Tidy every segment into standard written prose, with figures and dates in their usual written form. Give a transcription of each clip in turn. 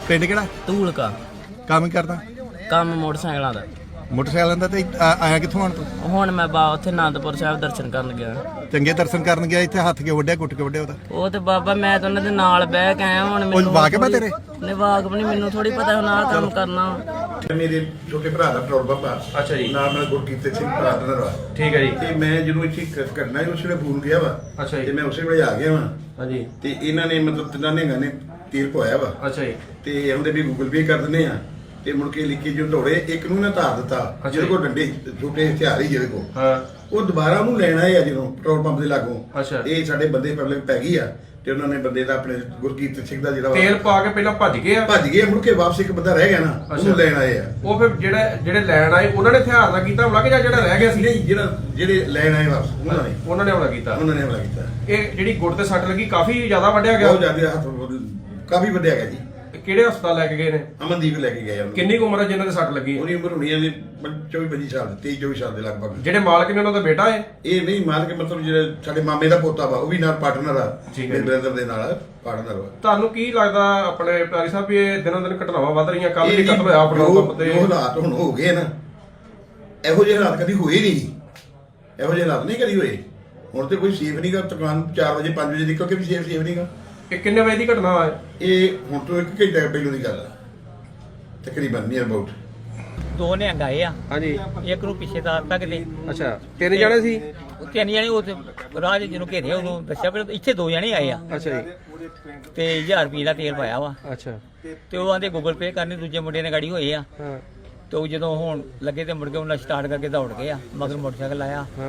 ਪਿੰਡ ਕਿਹੜਾ? ਧੂਲਕਾ। ਕੰਮ ਹੀ ਕਰਦਾ? ਕੰਮ ਮੋਟਰਸਾਈਕਲਾਂ ਦਾ। ਮੋਟਰਸਾਈਕਲਾਂ ਦਾ। ਤੇ ਆਇਆ ਕਿੱਥੋਂ ਹੁਣ ਤੂੰ? ਹੁਣ ਮੈਂ ਉੱਥੇ ਆਨੰਦਪੁਰ ਸਾਹਿਬ ਦਰਸ਼ਨ ਕਰਨ ਗਿਆ। ਚੰਗੇ ਦਰਸ਼ਨ ਕਰਨ ਗਿਆ। ਇੱਥੇ ਹੱਥ ਕਿਉਂ ਵੱਢਿਆ, ਗੁੱਟ ਕੇ ਵੱਢਿਆ ਉਹਦਾ? ਉਹ ਤੇ ਬਾਬਾ ਮੈਂ ਤਾਂ ਉਹਨਾਂ ਦੇ ਨਾਲ ਬਹਿ ਕੇ ਆਇਆ। ਹੁਣ ਮੈਨੂੰ ਵਾਕਿਫ ਹੈ ਤੇਰੇ? ਨਹੀਂ ਵਾਕਿਫ ਨਹੀਂ, ਮੈਨੂੰ ਥੋੜੀ ਪਤਾ ਹੁਣ ਆਹ ਕੰਮ ਕਰਨਾ। ਮੇਰੇ ਛੋਟੇ ਭਰਾ ਦਾ ਪੈਟਰੋਲ ਪੰਪ ਆ। ਅੱਛਾ ਜੀ। ਨਾਲ ਨਾਲ ਗੁਰਕੀਰਤ ਸਿੰਘ ਪਾਰਟਨਰ ਵਾ। ਠੀਕ ਹੈ ਜੀ। ਤੇ ਮੈਂ ਜਦੋਂ ਇੱਥੇ ਕਰਨਾ ਸੀ ਉਸ ਵੇਲੇ ਫੋਨ ਗਿਆ ਵਾ। ਅੱਛਾ ਜੀ। ਤੇ ਮੈਂ ਉਸੇ ਵੇਲੇ ਆ ਗਿਆ ਵਾ। ਹਾਂਜੀ। ਤੇ ਇਹਨਾਂ ਨੇ ਮਤਲਬ ਤਿੰਨਾਂ ਨੇ ਤੇਲ ਪਵਾਇਆ ਵਾ। ਅੱਛਾ ਜੀ। ਤੇ ਉਹਦੇ ਵੀ ਗੂਗਲ ਪੇ ਕਰ ਦਿੰਦੇ ਆ। ਤੇ ਮੁੜ ਕੇ ਲਿਖੀ ਜੋ ਢੋੜੇ ਇੱਕ ਨੂੰ ਨਾ ਧਾਰ ਦਿੱਤਾ ਜਿਹਦੇ ਕੋਲ ਡੰਡੇ ਛੋਟੇ ਹਥਿਆਰ ਹੀ ਜਿਹਦੇ ਕੋਲ। ਹਾਂ। ਉਹ ਦੁਬਾਰਾ ਉਹਨੂੰ ਲੈਣ ਆਏ ਆ ਜਦੋਂ ਪੈਟਰੋਲ ਪੰਪ ਦੇ ਲਾਗੋਂ। ਅੱਛਾ। ਇਹ ਸਾਡੇ ਬੰਦੇ ਪਬਲਿਕ ਪੈ ਗਈ ਆ। ਤੇ ਉਹਨਾਂ ਨੇ ਬੰਦੇ ਦਾ ਆਪਣੇ ਗੁਰਕੀਰਤ ਸਿੰਘ ਦਾ ਜਿਹੜਾ ਤੇਲ ਪਾ ਕੇ ਪਹਿਲਾਂ ਭੱਜ ਗਏ ਆ। ਭੱਜ ਗਏ ਮੁੜ ਕੇ ਵਾਪਸ ਇੱਕ ਬੰਦਾ ਰਹਿ ਗਿਆ ਨਾ, ਉਹਨੂੰ ਲੈਣ ਆਏ ਆ। ਉਹ ਫਿਰ ਜਿਹੜੇ ਲੈਣ ਆਏ ਉਹਨਾਂ ਨੇ ਹਥਿਆਰ ਨਾਲ ਕੀਤਾ ਹਮਲਾ ਕਿ ਜਾਂ ਜਿਹੜਾ ਰਹਿ ਗਿਆ ਸੀ? ਨਹੀਂ, ਜਿਹੜੇ ਲੈਣ ਆਏ ਵਾਪਸ ਉਹਨਾਂ ਨੇ ਹਮਲਾ ਕੀਤਾ। ਉਹਨਾਂ ਨੇ ਹਮਲਾ ਕੀਤਾ। ਇਹ ਜਿਹੜੀ ਗੁੱਟ ਤੇ ਸੱਟ ਲੱਗੀ ਕਾਫੀ ਜ਼ਿਆਦਾ ਵੱਢਿਆ ਗਿਆ। ਬਹੁਤ ਜ਼ਿਆਦਾ ਹੱਥ ਕਾਫੀ ਵੱਡਿਆ ਗਿਆ ਜੀ। ਕਿਹੜੇ ਹਸਪਤਾਲ ਲੈ ਕੇ ਗਏ ਨੇ? ਅਮਨਦੀਪ ਲੈ ਕੇ ਗਏ ਉਹਨੂੰ। ਕਿੰਨੀ ਕੁ ਉਮਰ ਹੈ ਜਿਨ੍ਹਾਂ ਦੇ ਸੱਟ ਲੱਗੀ? ਉਹਦੀ ਉਮਰ ਹੋਣੀ ਹੈ 24-25 ਸਾਲ, 23-24 ਸਾਲ ਦੇ ਲਗਭਗ। ਜਿਹੜੇ ਮਾਲਕ ਨੇ ਉਹਨਾਂ ਦਾ ਬੇਟਾ ਹੈ? ਇਹ ਨਹੀਂ ਮਾਲਕ, ਮਤਲਬ ਜਿਹੜਾ ਸਾਡੇ ਮਾਮੇ ਦਾ ਪੋਤਾ ਵਾ ਉਹ ਵੀ ਨਾਲ ਪਾਰਟਨਰ ਆ। ਠੀਕ ਹੈ। ਮੇਰੇ ਬ੍ਰਦਰ ਦੇ ਨਾਲ ਪਾਰਟਨਰ ਵਾ। ਤੁਹਾਨੂੰ ਕੀ ਲੱਗਦਾ ਆਪਣੇ ਪਿਆਰੀ ਸਾਹਿਬ ਵੀ ਇਹ ਦਿਨੋਂ ਦਿਨ ਘਟਨਾਵਾਂ ਵੱਧ ਰਹੀਆਂ? ਕੱਲ ਵੀ ਕਤਲ ਹੋਇਆ ਪੈਟਰੋਲ ਪੰਪ ਤੇ। ਜੋ ਹਾਲਾਤ ਹੁਣ ਹੋ ਗਏ ਨਾ, ਇਹੋ ਜਿਹੇ ਹਾਲਾਤ ਕਦੀ ਹੋਏ ਨਹੀਂ। ਇਹੋ ਜਿਹੇ ਹਾਲਾਤ ਨਹੀਂ ਕਦੀ ਹੋਏ। ਹੁਣ ਤੇ ਕੋਈ ਸੇਫ ਨਹੀਂਗਾ। ਦੁਕਾਨ 4 ਵਜੇ 5 ਵਜੇ ਨਿਕਲ ਕੇ ਵੀ ਸੇਫ ਨਹੀਂਗਾ। ਇਹ ਕਿੰਨੇ ਵਜੇ ਦੀ ਘਟਨਾ ਹੈ? ਇਹ ਹੁਣ ਤੋਂ 1 ਘੰਟੇ ਪਹਿਲਾਂ ਦੀ ਗੱਲ ਆ ਤਕਰੀਬਨ, ਨੀਅਰ ਅਬਾਊਟ। ਦੋ ਨਿਹੰਗ ਆਏ ਆ। ਹਾਂਜੀ। ਇੱਕ ਨੂੰ ਪਿੱਛੇ ਤਾਰਤਾ ਕਿਤੇ। ਅੱਛਾ, 3 ਜਣੇ ਸੀ? ਤਿੰਨ ਜਣੇ ਉਹ ਰਾਹ ਜਿਹਨੂੰ ਘੇਰਿਆ ਉਹਨੂੰ ਦੱਸਿਆ ਪਰ ਇੱਥੇ 2 ਜਣੇ ਆਏ ਆ। ਅੱਛਾ ਜੀ। ਤੇ 1000 ਰੁਪਏ ਦਾ ਤੇਲ ਪਾਇਆ ਵਾ। ਅੱਛਾ। ਤੇ ਉਹ ਆਂਦੇ ਗੂਗਲ ਪੇ ਕਰਨੀ, ਦੂਜੇ ਮੁੰਡੇ ਨੇ ਗਾੜੀ ਹੋਏ ਆ। ਹਾਂ। ਤੇ ਉਹ ਜਦੋਂ ਹੁਣ ਲੱਗੇ ਤੇ ਮੁੜ ਕੇ ਉਹਨਾਂ ਸਟਾਰਟ ਕਰਕੇ ਦੌੜ ਗਏ ਆ, ਮਗਰ ਮੋਟਰਸਾਈਕਲ ਆਇਆ। ਹਾਂ।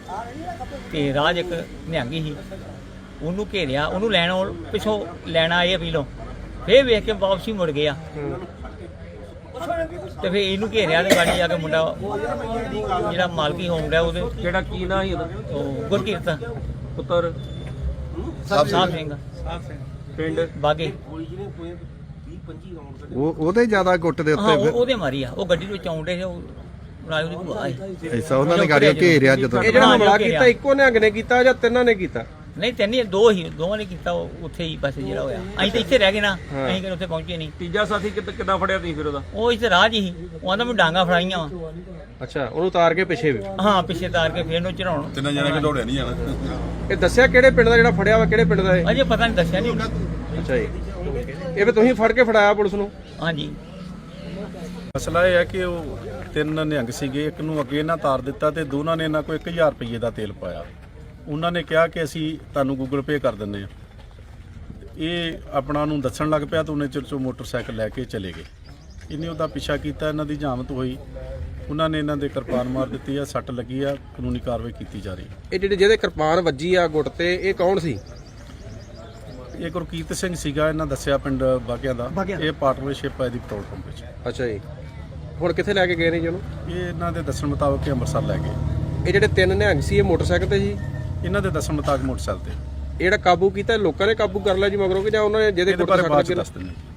ਤੇ ਰਾਜ ਇੱਕ ਨਿਹੰਗੀ ਸੀ, ਉਹਨੂੰ ਘੇਰਿਆ, ਉਹਨੂੰ ਪਿੱਛੋਂ ਲੈਣ ਆਏ ਆ ਪੀਲੋਂ। ਫੇਰ ਵੇਖ ਕੇ ਵਾਪਸੀ ਮੁੜ ਗਏ ਆ। ਤੇ ਫੇਰ ਇਹਨੂੰ ਘੇਰਿਆ ਤੇ ਗਾੜੀ ਜਾ ਕੇ ਮੁੰਡਾ ਜਿਹੜਾ ਮਾਲਕੀ ਹੋਮ ਦਾ ਉਹਦੇ ਕਿਹੜਾ ਕੀ ਨਾਂ ਸੀ ਉਹਦਾ? ਉਹ ਗੁਰਕੀਰਤ ਪੁੱਤਰ ਸਾਹਿਬ ਸਿੰਘ ਪਿੰਡ ਬਾਗੇ। ਉਹਦੇ ਜ਼ਿਆਦਾ ਗੁੱਟ ਦੇ ਹਾਂ ਉੱਤੇ ਉਹਦੇ ਮਾਰੀ ਆ। ਉਹ ਗੱਡੀ ਵਿੱਚ ਆਉਂਦੇ ਸੀ, ਉਹ ਨਾਲ ਉਹਦੀ ਭੂਆ ਆਈ। ਐਸਾ ਉਹਨਾਂ ਨੇ ਗਾੜੀਆਂ ਘੇਰਿਆ ਜਦੋਂ। ਇਹ ਜਿਹੜਾ ਹਮਲਾ ਕੀਤਾ ਇੱਕੋ ਨਿਹੰਗ ਨੇ ਕੀਤਾ ਜਾਂ ਤਿੰਨਾਂ ਨੇ ਕੀਤਾ? ਨਹੀਂ ਤਿੰਨ ਦੋਵਾਂ ਨੇ ਕੀਤਾ। ਉਹ ਉੱਥੇ ਹੀ ਬਸ ਜਿਹੜਾ ਹੋਇਆ। ਅਸੀਂ ਤਾਂ ਇੱਥੇ ਰਹਿ ਗਏ ਨਾ, ਅਸੀਂ ਕਿ ਉੱਥੇ ਪਹੁੰਚੇ ਨਹੀਂ। ਤੀਜਾ ਸਾਥੀ ਕਿੱਦਾਂ ਫੜਿਆ ਤੁਸੀਂ ਫਿਰ ਉਹਦਾ? ਉਹ ਇੱਥੇ ਰਾਹ 'ਚ ਹੀ ਉਹ ਆਂਦਾ ਮੈਂ ਡਾਂਗਾ ਫੜਾਈਆਂ ਵਾ। ਅੱਛਾ, ਉਹਨੂੰ ਉਤਾਰ ਕੇ ਪਿੱਛੇ ਵੀ? ਹਾਂ, ਪਿੱਛੇ ਤਾਰ ਕੇ ਫੇਰ ਨੂੰ ਚੜਾਉਣ। ਤਿੰਨਾਂ ਜਣੇ ਕਿ ਦੌੜਿਆ ਨਹੀਂ ਜਾਣਾ। ਇਹ ਦੱਸਿਆ ਕਿਹੜੇ ਪਿੰਡ ਦਾ ਜਿਹੜਾ ਫੜਿਆ ਵਾ? ਕਿਹੜੇ ਪਿੰਡ ਦਾ ਇਹ? ਅਜੇ ਪਤਾ ਨਹੀਂ, ਦੱਸਿਆ ਨਹੀਂ। ਅੱਛਾ ਜੀ। ਇਹ ਵੀ ਤੁਸੀਂ ਫੜ ਕੇ ਫੜਾਇਆ ਪੁਲਿਸ ਨੂੰ? ਹਾਂਜੀ। ਮਸਲਾ ਇਹ ਹੈ ਕਿ ਉਹ 3 ਨਿਹੰਗ ਸੀਗੇ, ਇੱਕ ਨੂੰ ਅੱਗੇ ਨਾ ਤਾਰ ਦਿੱਤਾ ਤੇ ਦੋਨਾਂ ਨੇ ਇਹਨਾਂ ਕੋਲ 1000 ਰੁਪਏ ਦਾ ਤੇਲ ਪਾਇਆ। ਉਹਨਾਂ ਨੇ ਕਿਹਾ ਕਿ ਅਸੀਂ ਤੁਹਾਨੂੰ ਗੂਗਲ ਪੇ ਕਰ ਦਿੰਦੇ ਹਾਂ। ਇਹ ਆਪਣਾ ਨੂੰ ਦੱਸਣ ਲੱਗ ਪਿਆ ਤਾਂ ਉਹਨੇ ਚਿਰ 'ਚੋਂ ਮੋਟਰਸਾਈਕਲ ਲੈ ਕੇ ਚਲੇ ਗਏ। ਇਹਨੇ ਉਹਦਾ ਪਿੱਛਾ ਕੀਤਾ, ਇਹਨਾਂ ਦੀ ਜਾਮਤ ਹੋਈ। ਉਹਨਾਂ ਨੇ ਇਹਨਾਂ ਦੇ ਕਿਰਪਾਨ ਮਾਰ ਦਿੱਤੀ ਆ, ਸੱਟ ਲੱਗੀ ਆ, ਕਾਨੂੰਨੀ ਕਾਰਵਾਈ ਕੀਤੀ ਜਾ ਰਹੀ ਹੈ। ਇਹ ਜਿਹਦੇ ਕਿਰਪਾਨ ਵੱਜੀ ਆ ਗੁੱਟ ਤੇ, ਇਹ ਕੌਣ ਸੀ? ਇਹ ਗੁਰਕੀਰਤ ਸਿੰਘ ਸੀਗਾ, ਇਹਨਾਂ ਦੱਸਿਆ ਪਿੰਡ ਬਾਗਿਆਂ ਦਾ। ਇਹ ਪਾਰਟਨਰਸ਼ਿਪ ਹੈ ਇਹਦੀ ਪੈਟਰੋਲ ਪੰਪ ਵਿੱਚ। ਅੱਛਾ ਜੀ। ਹੁਣ ਕਿੱਥੇ ਲੈ ਕੇ ਗਏ ਨੇ ਜੀ ਉਹਨੂੰ? ਇਹ ਇਹਨਾਂ ਦੇ ਦੱਸਣ ਮੁਤਾਬਕ ਅੰਮ੍ਰਿਤਸਰ ਲੈ ਗਏ। ਇਹ ਜਿਹੜੇ 3 ਨਿਹੰਗ ਸੀ ਇਹ ਮੋਟਰਸਾਈਕਲ ਤੇ ਸੀ? ਇਹਨਾਂ ਦੇ ਦੱਸਣ ਮੁਤਾਬਕ ਮੋਟਰਸਾਈਕਲ ਤੇ। ਇਹ ਜਿਹੜਾ ਕਾਬੂ ਕੀਤਾ ਲੋਕਾਂ ਨੇ ਕਾਬੂ ਕਰ ਲਿਆ ਜੀ ਮਗਰੋਂ ਕਿ ਜਾਂ ਉਹਨਾਂ ਨੇ ਜਿਹਦੇ ਇਹਦੇ ਗੁੱਟ ਬਾਰੇ ਸੱਟ ਬਾਅਦ ਚ ਲੱਗੀ? ਦੱਸ ਦਿੰਦੇ।